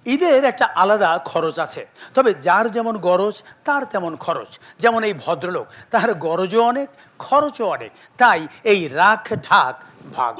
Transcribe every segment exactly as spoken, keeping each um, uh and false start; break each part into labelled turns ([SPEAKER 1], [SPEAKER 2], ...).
[SPEAKER 1] ঈদের একটা আলাদা খরচ আছে, তবে যার যেমন গরজ তার তেমন খরচ। যেমন এই ভদ্রলোক, তার গরজও অনেক, খরচও অনেক, তাই এই রাখ ঢাক ভাগ।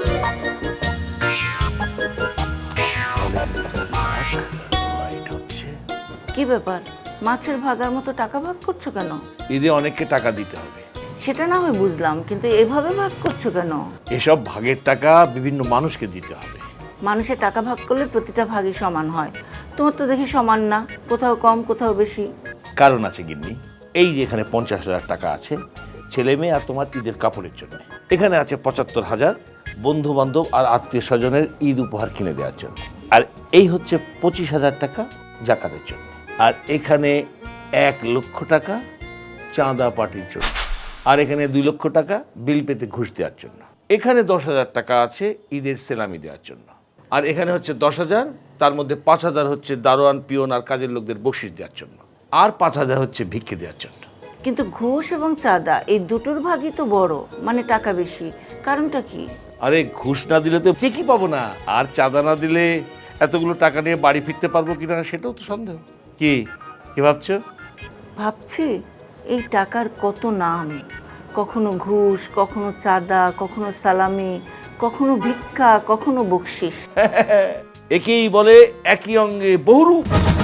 [SPEAKER 2] কি ব্যাপার, মাছের ভাগার মতো টাকা ভাগ করছো কেন?
[SPEAKER 3] ঈদে অনেককে টাকা দিতে হবে।
[SPEAKER 2] সেটা না হয় বুঝলাম, কিন্তু এভাবে ভাগ করছো কেন?
[SPEAKER 3] এসব ভাগের টাকা বিভিন্ন মানুষকে দিতে হবে।
[SPEAKER 2] মানুষের টাকা ভাগ করলে প্রতিটা ভাগই সমান হয়, তোমার তো দেখি সমান না, কোথাও কম কোথাও বেশি।
[SPEAKER 3] কারণ আছে গিন্নি, এই যে এখানে পঞ্চাশ হাজার টাকা আছে ছেলে মেয়ে আর তোমার ঈদের কাপড়ের জন্য, এখানে আছে পঁচাত্তর হাজার বন্ধু বান্ধব আর আত্মীয় স্বজনের ঈদ উপহার কিনে দেওয়ার জন্য, আর এই হচ্ছে পঁচিশ হাজার টাকা জাকাতের জন্য, আর এখানে এক লক্ষ টাকা চাঁদা পার্টির জন্য, আর এখানে দুই লক্ষ টাকা বিল পেতে ঘুষ দেওয়ার জন্য, এখানে দশ হাজার টাকা আছে ঈদের সেলামি দেওয়ার জন্য, আর এখানে হচ্ছে দশ হাজার, তার মধ্যে পাঁচ হাজার হচ্ছে দারোয়ান পিয়ন আর কাজের লোকদের বকশিশ দেওয়ার জন্য, আর পাঁচ হাজার হচ্ছে ভিক্ষে দেওয়ার জন্য।
[SPEAKER 2] কিন্তু ঘুষ এবং চাঁদা এই দুটোর ভাগই তো বড়, মানে টাকা বেশি, কারণটা কি?
[SPEAKER 3] আরে ঘুষ না দিলে তো চেকই পাবো না, আর চাঁদা না দিলে এতগুলো টাকা নিয়ে বাড়ি ফিরতে পারবো কিনা সেটাও তো সন্দেহ। কি কি ভাবছো?
[SPEAKER 2] ভাবছি এই টাকার কত নাম, কখনো ঘুষ, কখনো চাঁদা, কখনো সালামি, কখনো ভিক্ষা, কখনো বকশিশ।
[SPEAKER 3] একেই বলে একই অঙ্গে বহুরূপ।